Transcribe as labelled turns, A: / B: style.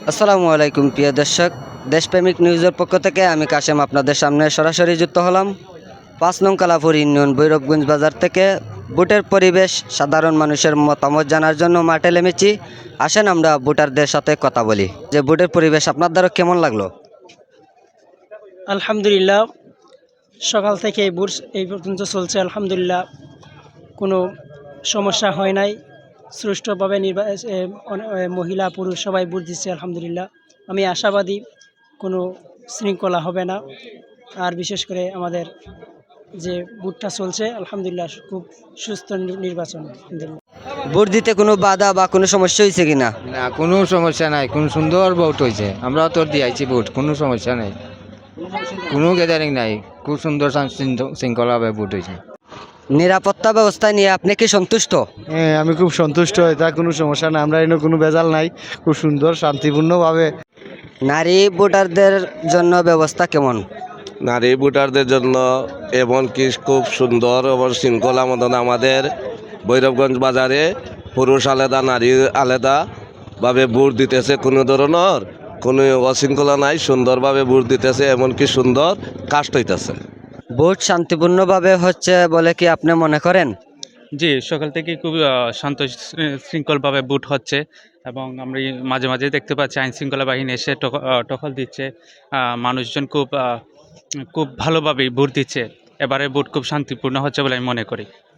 A: আসসালামু আলাইকুম প্রিয় দর্শক, দেশপ্রেমিক নিউজের পক্ষ থেকে আমি কাশেম আপনাদের সামনে সরাসরি যুক্ত হলাম ৫ নং কালাপুর ইউনিয়ন ভৈরবগঞ্জ বাজার থেকে। ভোটের পরিবেশ, সাধারণ মানুষের মতামত জানার জন্য মাঠে নেমেছি। আসেন আমরা ভোটারদের সাথে কথা বলি যে ভোটের পরিবেশ আপনার দ্বারা কেমন লাগলো।
B: আলহামদুলিল্লাহ, সকাল থেকে ভোট এই পর্যন্ত চলছে। আলহামদুলিল্লাহ, কোনো সমস্যা হয় নাই। সুষ্ঠুভাবে মহিলা পুরুষ সবাই ভোট দিচ্ছে। আলহামদুলিল্লাহ, আমি আশাবাদী কোনো শৃঙ্খলা হবে না। আর বিশেষ করে আমাদের যে ভোটটা চলছে, আলহামদুলিল্লাহ খুব সুস্থ নির্বাচন। আলহামদুলিল্লাহ,
A: ভোট দিতে কোনো বাধা বা কোনো সমস্যা হয়েছে কিনা?
C: না, কোনো সমস্যা নাই, কোন সুন্দর ভোট হয়েছে। আমরা তো দিয়েছি ভোট, কোনো সমস্যা নাই, কোনো গ্যাদারিং নাই, খুব সুন্দর শৃঙ্খলাভাবে ভোট হয়েছে।
A: নিরাপত্তা ব্যবস্থা নিয়ে আপনি কি সন্তুষ্ট?
D: হ্যাঁ, আমি খুব সন্তুষ্ট। এটা কোনো সমস্যা না, আমরা এনে কোনো ভেজাল নাই, খুব সুন্দর শান্তিপূর্ণভাবে।
A: নারী ভোটারদের জন্য ব্যবস্থা কেমন?
E: নারী ভোটারদের জন্য এমনকি খুব সুন্দর এবং শৃঙ্খলা মতন আমাদের ভৈরবগঞ্জ বাজারে পুরুষ আলাদা নারী আলাদাভাবে ভোট দিতেছে। কোনো ধরনের কোনো অশৃঙ্খলা নাই, সুন্দরভাবে ভোট দিতেছে, এমনকি সুন্দর কাস্ট হইতেছে।
A: ভোট শান্তিপূর্ণভাবে হচ্ছে বলে কি আপনি মনে করেন?
F: জি, সকাল থেকে খুব শান্ত শৃঙ্খলভাবে ভোট হচ্ছে এবং আমরা মাঝে মাঝে দেখতে পাচ্ছি আইন শৃঙ্খলা বাহিনী এসে টহল দিচ্ছে। মানুষজন খুব ভালোভাবেই ভোট দিচ্ছে। এবারে ভোট খুব শান্তিপূর্ণ হচ্ছে বলে আমি মনে করি।